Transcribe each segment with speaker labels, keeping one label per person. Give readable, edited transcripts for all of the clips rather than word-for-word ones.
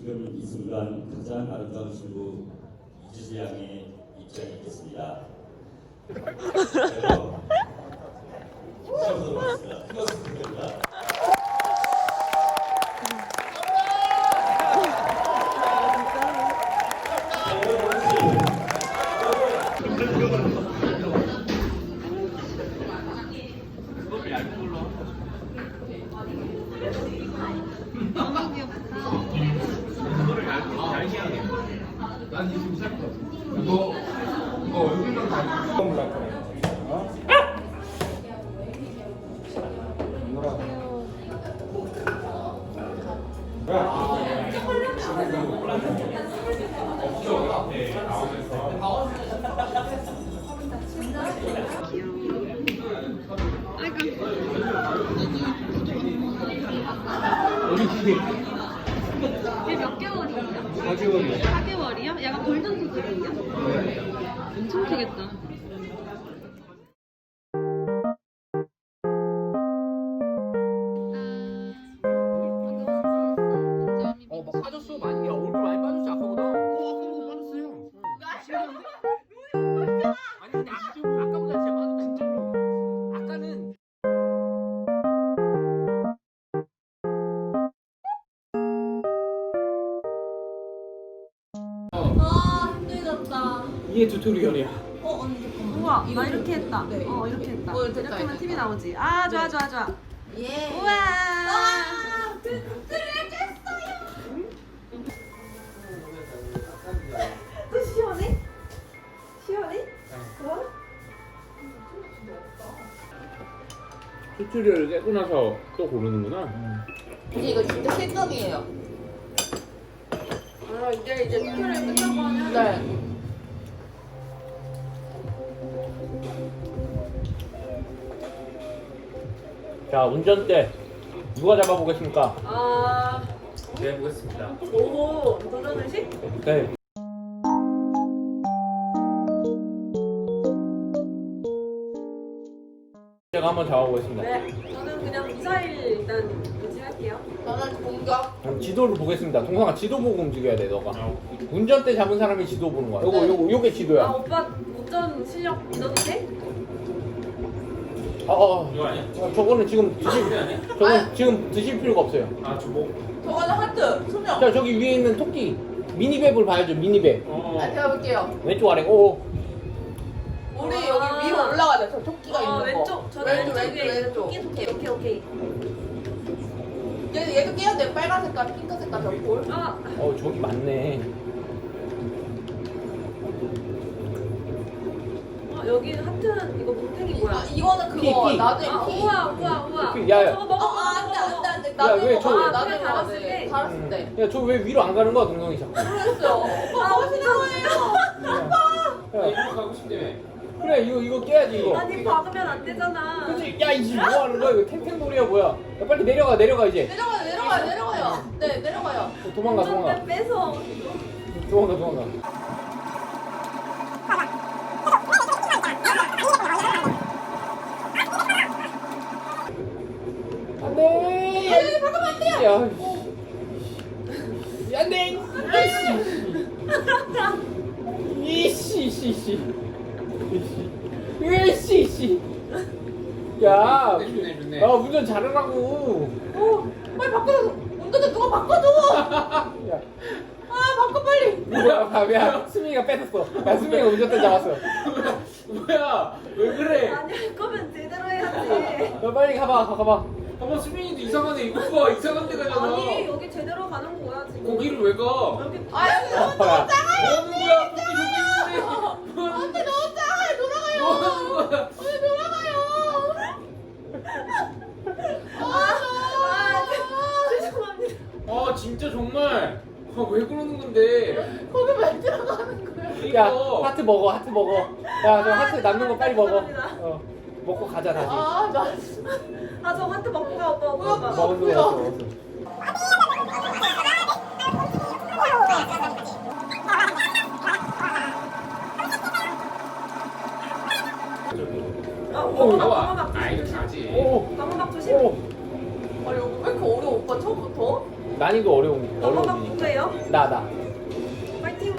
Speaker 1: 지금 이 순간 가장 아름다운 신부 이지수 양의 입장이 있겠습니다. 그래서 시작하도록 하겠습니다. 수고하셨습니다.
Speaker 2: 난 지금 살 거. 이거 얼굴만 다 몰라. 어?
Speaker 3: 얘 몇 개월이에요?
Speaker 2: 4개월이요.
Speaker 3: 4개월이요? 약간 골든 도들이에요? 엄청 크겠다.
Speaker 2: 막 빠졌어. 많이. 야, 얼굴 많이 빠졌지 아까보다. 아까보다 빠졌어요. 아니 근데 아까보다 진짜 빠졌다 진짜로. 아까는
Speaker 3: 아 힘들었다.
Speaker 2: 이게 튜토리얼이야.
Speaker 3: 우와 나 이렇게 했다.
Speaker 4: 네.
Speaker 3: 이렇게 했다.
Speaker 4: 됐다,
Speaker 3: 이렇게 하면
Speaker 4: 됐다.
Speaker 3: TV 나오지. 아 좋아 좋아 좋아.
Speaker 4: 예.
Speaker 3: 우와. 또 시원해? 시원해? 어?
Speaker 2: 튜토리얼 깨고 나서 또 고르는구나.
Speaker 4: 근데 이거 진짜 실격이에요.
Speaker 3: 아 이제 튜토리얼 끝나고 하면.
Speaker 4: 네.
Speaker 2: 자, 운전대 누가 잡아보겠습니까?
Speaker 3: 아
Speaker 2: 제가 해보겠습니다.
Speaker 3: 오 도전의식?
Speaker 2: 네. 제가 한번 잡아보겠습니다.
Speaker 3: 네. 저는 그냥 미사일 일단 유지할게요.
Speaker 4: 저는 공격.
Speaker 2: 그럼 지도를 보겠습니다. 동상아 지도 보고 움직여야 돼 너가. 운전대 잡은 사람이 지도 보는 거야. 요게
Speaker 3: 아
Speaker 2: 지도야.
Speaker 3: 오빠 운전 실력 믿어도 돼?
Speaker 2: 이거 아니야? 저거는 지금 저건 지금 드실 필요가 없어요.
Speaker 4: 저거는 하트. 소명.
Speaker 2: 자 저기 위에 있는 토끼 미니맵을 봐야죠. 미니맵.
Speaker 4: 아, 제가 볼게요.
Speaker 2: 왼쪽 아래. 오.
Speaker 4: 우리 여기 위로 올라가자. 저 토끼가 있는 거.
Speaker 3: 왼쪽 저는 왼쪽 위에
Speaker 4: 왼쪽.
Speaker 3: 오케이.
Speaker 4: 얘도 깨야 돼. 빨간 색깔, 핑크 색깔 저 볼.
Speaker 3: 아
Speaker 2: 저기 맞네.
Speaker 3: 여기 하트는 이거 뭉탱이 뭐야?
Speaker 4: 아, 이거는 그거
Speaker 2: 피.
Speaker 4: 나중에
Speaker 3: 아
Speaker 4: 피.
Speaker 3: 우와.
Speaker 2: 야, 야.
Speaker 3: 저거 먹어.
Speaker 4: 안돼.
Speaker 2: 야,
Speaker 4: 나중에
Speaker 2: 왜
Speaker 4: 먹어.
Speaker 2: 저-
Speaker 4: 나중에
Speaker 3: 그냥
Speaker 4: 먹어야
Speaker 3: 달았을
Speaker 4: 돼.
Speaker 3: 때.
Speaker 4: 달았을 때.
Speaker 2: 야 저 왜 위로 안 가는 거야 동성이 자꾸.
Speaker 4: 모르겠어요. 오빠 멋있는 거예요.
Speaker 2: 야,
Speaker 5: 일로 가고 싶다며.
Speaker 2: 그래 이거 깨야지 이거.
Speaker 3: 아니 박으면 안 되잖아.
Speaker 2: 그치? 야 이씨 뭐 하는 거야 이거 탱탱놀이야 뭐야. 야 빨리 내려가 이제.
Speaker 4: 내려가요. 네, 내려가요.
Speaker 2: 도망가.
Speaker 3: 운전대 뺏어.
Speaker 2: 도망가. 안돼.
Speaker 4: 잠깐만 안 돼요.
Speaker 2: 야. 씨. 안돼. 이씨. 야.
Speaker 5: 좋네.
Speaker 2: 아 운전 잘하라고.
Speaker 4: 빨리 바꿔줘. 운전대 누가 바꿔줘.
Speaker 2: 야.
Speaker 4: 아, 바꿔 빨리.
Speaker 2: 뭐야 수민이가 뺏었어. 야 수민이가 운전대 잡았어.
Speaker 5: 뭐야? 왜 그래?
Speaker 3: 아니 할 거면 제대로 해야지.
Speaker 2: 너 빨리 가봐.
Speaker 5: 어머 수민이도 이상하네. 이거 봐 이상한 데 가잖아.
Speaker 3: 아니 여기 제대로 가는 거야 지금.
Speaker 5: 거기를 왜 가?
Speaker 3: 여기
Speaker 4: 아, 여기 너무
Speaker 2: 야.
Speaker 5: 뭐 하는 거야? 거기 여기 있는데. 뭐 하는
Speaker 4: 안돼 너무 작아요. 돌아가요.
Speaker 5: 뭐 하는 거야?
Speaker 4: 언니 돌아가요.
Speaker 3: 죄송합니다.
Speaker 5: 아 진짜 정말. 왜 그러는 건데?
Speaker 4: 거기 왜 들어가는 거야?
Speaker 2: 야
Speaker 5: 이거.
Speaker 2: 하트 먹어. 야 저 하트 남는 거 빨리 먹어.
Speaker 3: 죄송합니다.
Speaker 2: 먹고 가자 다시.
Speaker 4: 아, 나
Speaker 3: 아 저 하트 먹고 가 오빠.
Speaker 2: 먹었어.
Speaker 5: 나와. 아 이거 자지.
Speaker 2: 오.
Speaker 3: 방어막 조심.
Speaker 2: 오.
Speaker 4: 아니, 여기 왜 이렇게 어려워, 오빠 처음부터?
Speaker 2: 난이도 어려운
Speaker 3: 방어막
Speaker 2: 어려운.
Speaker 3: 누구예요?
Speaker 2: 나.
Speaker 3: 파이팅.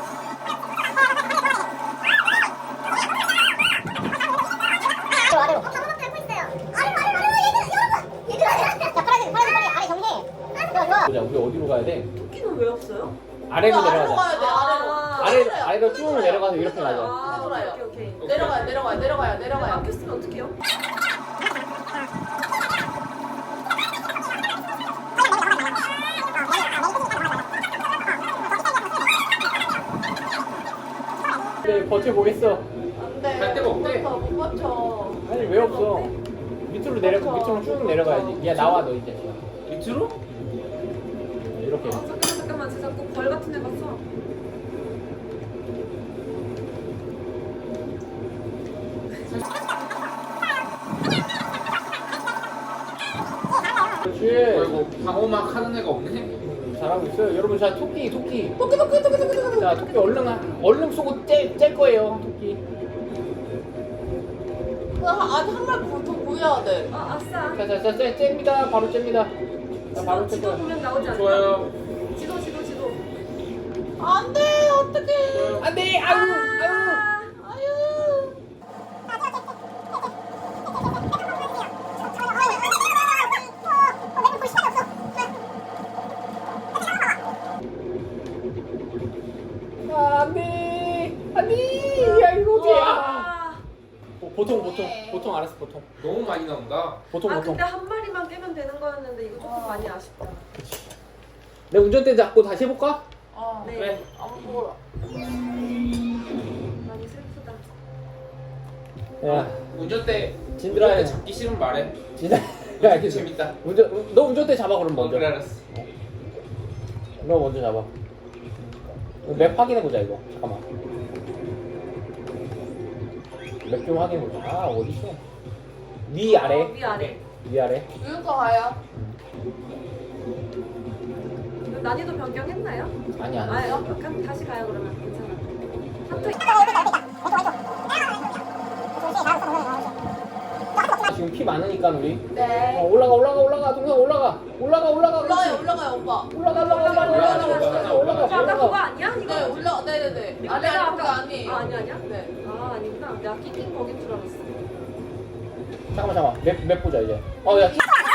Speaker 6: 아래로. 방금 밟고 있어요. 아래로, 얘들아. 자, 파란색, 빨리 아래 정리해. 좋아, 좋아.
Speaker 2: 보자, 우리 어디로 가야 돼?
Speaker 3: 토끼는 왜 없어요?
Speaker 2: 아래로
Speaker 4: 아래로
Speaker 2: 내려가자.
Speaker 4: 가야 돼. 아래로.
Speaker 2: 아래로 쭉 내려가서 이렇게 가자.
Speaker 4: 아, 돌아요.
Speaker 3: 오케이.
Speaker 4: 내려가요.
Speaker 3: 막혔으면 어떡해요?
Speaker 2: 네, 버텨보겠어.
Speaker 4: 안돼.
Speaker 5: 갈 데가 없대.
Speaker 4: 못 버텨.
Speaker 2: 아니, 왜 없어? 밑으로 쭉 내려가야지. 야, 나와, 너 이제.
Speaker 5: 밑으로?
Speaker 2: 이렇게.
Speaker 3: 잠깐만 진짜 꼭 벌 같은 애 봤어.
Speaker 2: 그렇지.
Speaker 5: 아이고 방어막 하는 애가 없네.
Speaker 2: 잘하고 있어요. 여러분, 자, 토끼. 자, 토끼 얼른 쏘고 짤 거예요, 토끼.
Speaker 4: 아직 한 마리 더 구해야 돼.
Speaker 3: 아 아싸.
Speaker 2: 자, 잽니다. 바로 잽니다. 자, 바로 잽
Speaker 3: 지도
Speaker 2: 거야.
Speaker 3: 보면 나오지 않나?
Speaker 5: 좋아요.
Speaker 3: 지도.
Speaker 4: 안돼. 어떡해.
Speaker 2: 안 돼! 아유!
Speaker 4: 아유.
Speaker 2: 안 돼! 안 돼! 야, 이거 어디야?
Speaker 3: 아,
Speaker 2: 보통 알았어, 보통.
Speaker 5: 너무 많이 나온다.
Speaker 2: 보통.
Speaker 3: 근데 한 마리만 깨면 되는 거였는데 이거 조금 많이 아쉽다.
Speaker 2: 내 운전대 잡고 다시 해볼까?
Speaker 3: 네.
Speaker 5: 그래.
Speaker 4: 아무 몰라.
Speaker 3: 많이 슬프다.
Speaker 2: 야,
Speaker 5: 운전대
Speaker 2: 진들아.
Speaker 5: 운전대 잡기 싫으면 말해.
Speaker 2: 진짜.
Speaker 5: 야 이게 재밌다.
Speaker 2: 너 운전대 잡아, 그럼 먼저.
Speaker 5: 그래 알았어.
Speaker 2: 너 먼저 잡아. 맵 확인해보자, 이거. 잠깐만. 맵 좀 확인해보자. 아, 어딨어? 위, 아래.
Speaker 3: 위아래.
Speaker 2: 위아래.
Speaker 4: 여기서 가요.
Speaker 3: 난이도 변경했나요?
Speaker 2: 아니야.
Speaker 3: 그럼 다시 가요 그러면 괜찮아. 하트.
Speaker 2: 지금 피 많으니까, 우리.
Speaker 4: 네.
Speaker 2: 올라가. 동생 올라가.
Speaker 4: 올라가요 오빠.
Speaker 2: 올라가.
Speaker 3: 아까 그거 아니야? 이거
Speaker 4: 네 네네네.
Speaker 3: 이거
Speaker 4: 아니
Speaker 3: 내가
Speaker 4: 그거 아니에요.
Speaker 3: 아니야?
Speaker 4: 네.
Speaker 3: 아 아니구나. 내가 끼낀 거긴 줄 알았어.
Speaker 2: 잠깐만. 맵 보자, 이제. 야,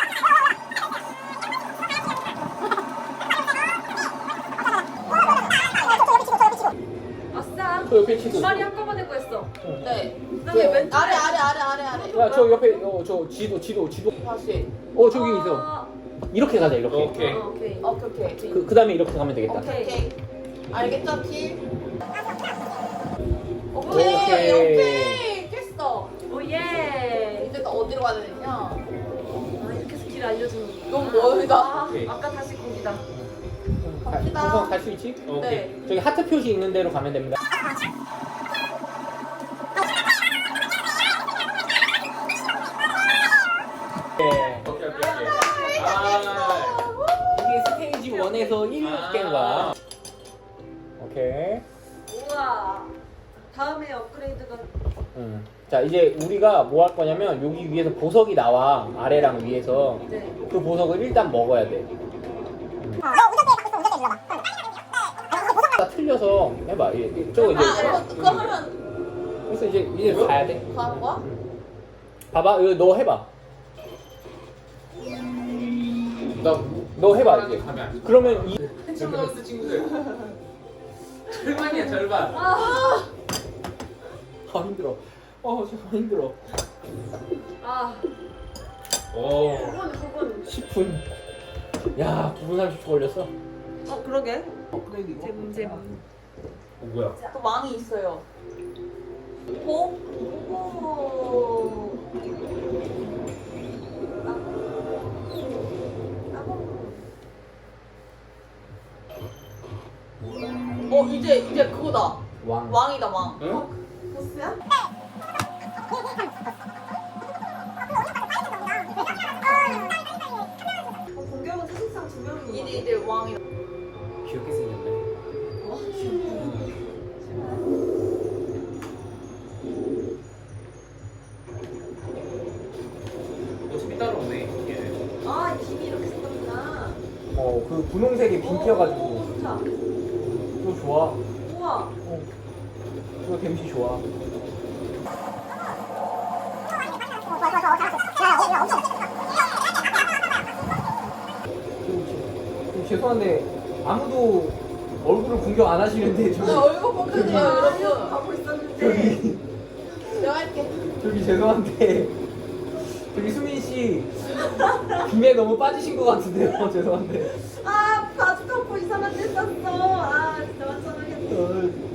Speaker 3: 아싸.
Speaker 2: 저 옆에 치도.
Speaker 3: 두 마리 한꺼번에 구했어.
Speaker 4: 네.
Speaker 3: 그다음에 왼쪽
Speaker 4: 아래.
Speaker 2: 야, 저 옆에, 저 지도.
Speaker 4: 다시.
Speaker 2: 저기 있어. 이렇게 가자, 이렇게.
Speaker 5: 오케이.
Speaker 3: 오케이.
Speaker 4: 오케이.
Speaker 2: 그 다음에 이렇게 가면 되겠다.
Speaker 4: 오케이. 알겠죠, 티?
Speaker 2: 오케이.
Speaker 4: 오케이. 깼어.
Speaker 3: 오예.
Speaker 4: 이제 또 어디로 가야 되냐?
Speaker 3: 아 이렇게 해서 길 알려주는 거.
Speaker 4: 너무 멀다.
Speaker 5: 오케이.
Speaker 3: 아까 다시 거기다.
Speaker 2: 동성 갈 수 있지?
Speaker 5: 오케이.
Speaker 4: 네.
Speaker 2: 저기 하트 표시 있는 대로 가면 됩니다. 네.
Speaker 5: 오케이. 아.
Speaker 2: 이게 스테이지 1에서 1개인가? 오케이.
Speaker 3: 우와. 다음에 업그레이드가
Speaker 2: 자, 이제 우리가 뭐 할 거냐면 여기 위에서 보석이 나와. 아래랑 위에서.
Speaker 3: 네.
Speaker 2: 그 보석을 일단 먹어야 돼. 다 틀려서 해봐. 저거 이제.
Speaker 4: 그거 하면
Speaker 2: 그래서 이제 가야 돼.
Speaker 4: 가는 거야?
Speaker 2: 봐봐, 이거 너 해봐. 너 해봐 이제.
Speaker 5: 가면 안 돼.
Speaker 2: 그러면 이
Speaker 5: 챔버스 친구들. 절반이야 절반.
Speaker 2: 힘들어. 정말 힘들어.
Speaker 3: 아
Speaker 5: 오.
Speaker 3: 9분.
Speaker 2: 10분. 야, 9분 30초 걸렸어.
Speaker 3: 그러게. 잼.
Speaker 5: 뭐야?
Speaker 4: 또 망이 있어요. 오. 이제 그거다.
Speaker 2: 왕.
Speaker 4: 왕이다 왕.
Speaker 5: 응?
Speaker 4: 보스야?
Speaker 3: 공격은 사실상 두 명인
Speaker 4: 이제 왕이다.
Speaker 5: 귀엽게 생겼네. 어차피 따라오네. 얘.
Speaker 3: 아, 이 김이 이렇게 생겼구나.
Speaker 2: 그 분홍색이 빈 튀어가지고.
Speaker 3: 좋다. 우와.
Speaker 2: 이거 좋아.
Speaker 3: 우와.
Speaker 2: 이거 데미지 좋아. 좀 죄송한데 아무도 얼굴을 공격 안 하시는데 저기
Speaker 4: 나 얼굴 보거든요, 여러분.
Speaker 3: 하고 있었는데.
Speaker 2: 저기
Speaker 4: 내가 할게.
Speaker 2: 저기 죄송한데 저기 수민 씨 김에 너무 빠지신 것 같은데요. 죄송한데.
Speaker 3: 아, 바지 덮고 이상한 데 썼어. 아, 진짜 완전하겠네.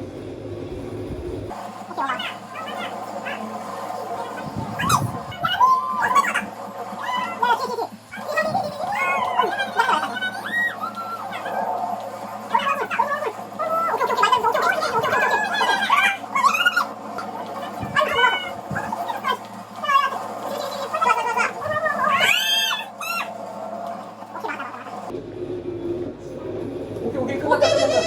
Speaker 2: 오케이 끝났다.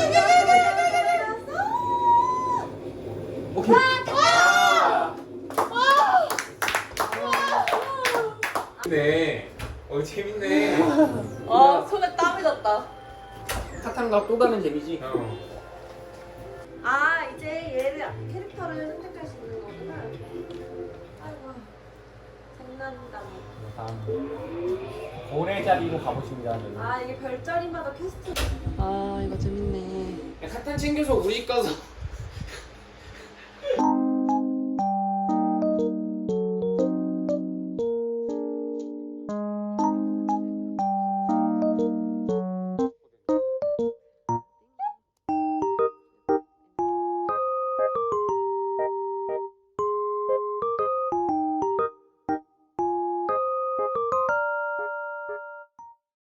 Speaker 2: 오케이.
Speaker 5: 네. 재밌네.
Speaker 4: 손에 땀이 났다.
Speaker 2: 사탕과 또 다른 재미지.
Speaker 3: 아, 이제 얘를 캐릭터를 선택할 수 있는 거구나. 아이고, 장난감.
Speaker 2: 다음 고래 자리로 가보십니다. 저는.
Speaker 3: 아, 이게 별자리마다 퀘스트.
Speaker 4: 아, 이거 재밌네.
Speaker 5: 사탕 챙겨서 우리 가서